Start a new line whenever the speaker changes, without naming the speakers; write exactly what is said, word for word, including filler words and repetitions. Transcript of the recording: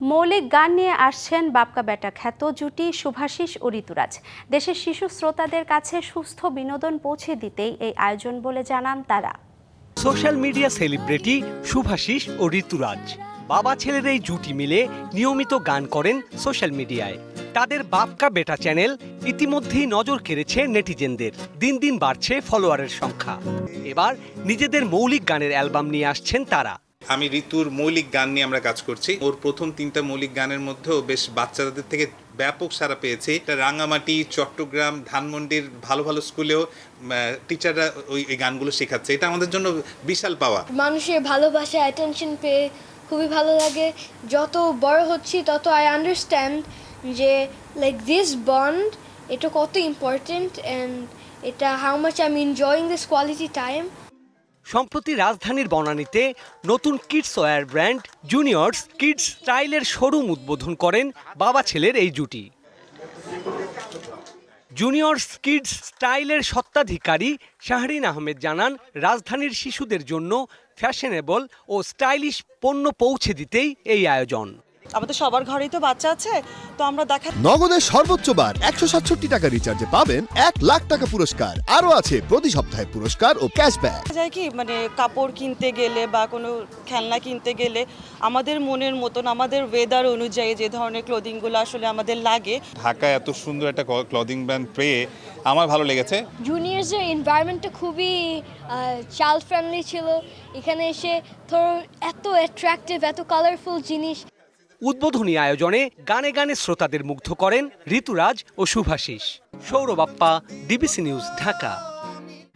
মৌলিক গান নিয়ে আসছেন বাপকা বেটা খ্যাত জুটি শুভাশিস ও ঋতুরাজ। দেশের শিশু শ্রোতাদের কাছে সুস্থ বিনোদন পৌঁছে দিতেই এই আয়োজন বলে জানান তারা।
সোশ্যাল মিডিয়া সেলিব্রিটি শুভাশিস ও ঋতুরাজ বাবা ছেলের এই জুটি মিলে নিয়মিত গান করেন সোশ্যাল মিডিয়ায়। তাদের বাপকা বেটা চ্যানেল ইতিমধ্যেই নজর কেড়েছে নেটিজেনদের। দিন দিন বাড়ছে ফলোয়ারের সংখ্যা। এবার নিজেদের মৌলিক গানের অ্যালবাম নিয়ে আসছেন তারা।
আমি ঋতুর মৌলিক গান নিয়ে আমরা কাজ করছি। ওর প্রথম তিনটা মৌলিক গানের মধ্যেও বেশ বাচ্চাদের থেকে ব্যাপক সাড়া পেয়েছি। রাঙামাটি, চট্টগ্রাম, ধানমন্ডির ভালো ভালো স্কুলেও টিচাররা ওই ওই গানগুলো শেখাচ্ছে। এটা আমাদের জন্য বিশাল পাওয়া।
মানুষের ভালোবাসা, অ্যাটেনশন পেয়ে খুবই ভালো লাগে। যত বড় হচ্ছি তত আই আন্ডারস্ট্যান্ড যে লাইক দিস বন্ড এটা কত ইম্পর্টেন্ট অ্যান্ড এটা how much I am enjoying this quality time.
সম্প্রতি রাজধানীর বনানীতে নতুন kids wear brand juniors kids স্টাইলের শোরুম উদ্বোধন করেন বাবা ছেলের এই জুটি। জুনিয়র্স কিডস স্টাইলের স্বত্বাধিকারী শাহরিন আহমেদ জানান, রাজধানীর শিশুদের জন্য ফ্যাশনেবল ও স্টাইলিশ পণ্য পৌঁছে দিতেই এই আয়োজন।
আমাদের সবার ঘরেই তো বাচ্চা আছে, তো আমরা দেখা
নগদের সর্বোচ্চ বার একশো সাতষট্টি টাকা রিচার্জে পাবেন এক লাখ টাকা পুরস্কার। আরও আছে প্রতি সপ্তাহে পুরস্কার ও ক্যাশব্যাক।
যায় কি মানে কাপড় কিনতে গেলে বা কোনো খেলনা কিনতে গেলে আমাদের মনের মতন আমাদের ওয়েদার অনুযায়ী যে ধরনের ক্লোদিংগুলো আসলে আমাদের লাগে।
ঢাকায় এত সুন্দর একটা ক্লদিং ব্র্যান্ড পেয়ে আমার ভালো লেগেছে।
জুনিয়র্সের এনভায়রনমেন্টটা খুবই চাইল্ড ফ্রেন্ডলি ছিল। এখানে এসে ধরো এত অ্যাট্রাকটিভ, এত কালারফুল জিনিস।
উদ্বোধনী আয়োজনে গানে গানে শ্রোতাদের মুগ্ধ করেন ঋতুরাজ ও শুভাশিস। Sourav Appa, DBC news, Dhaka.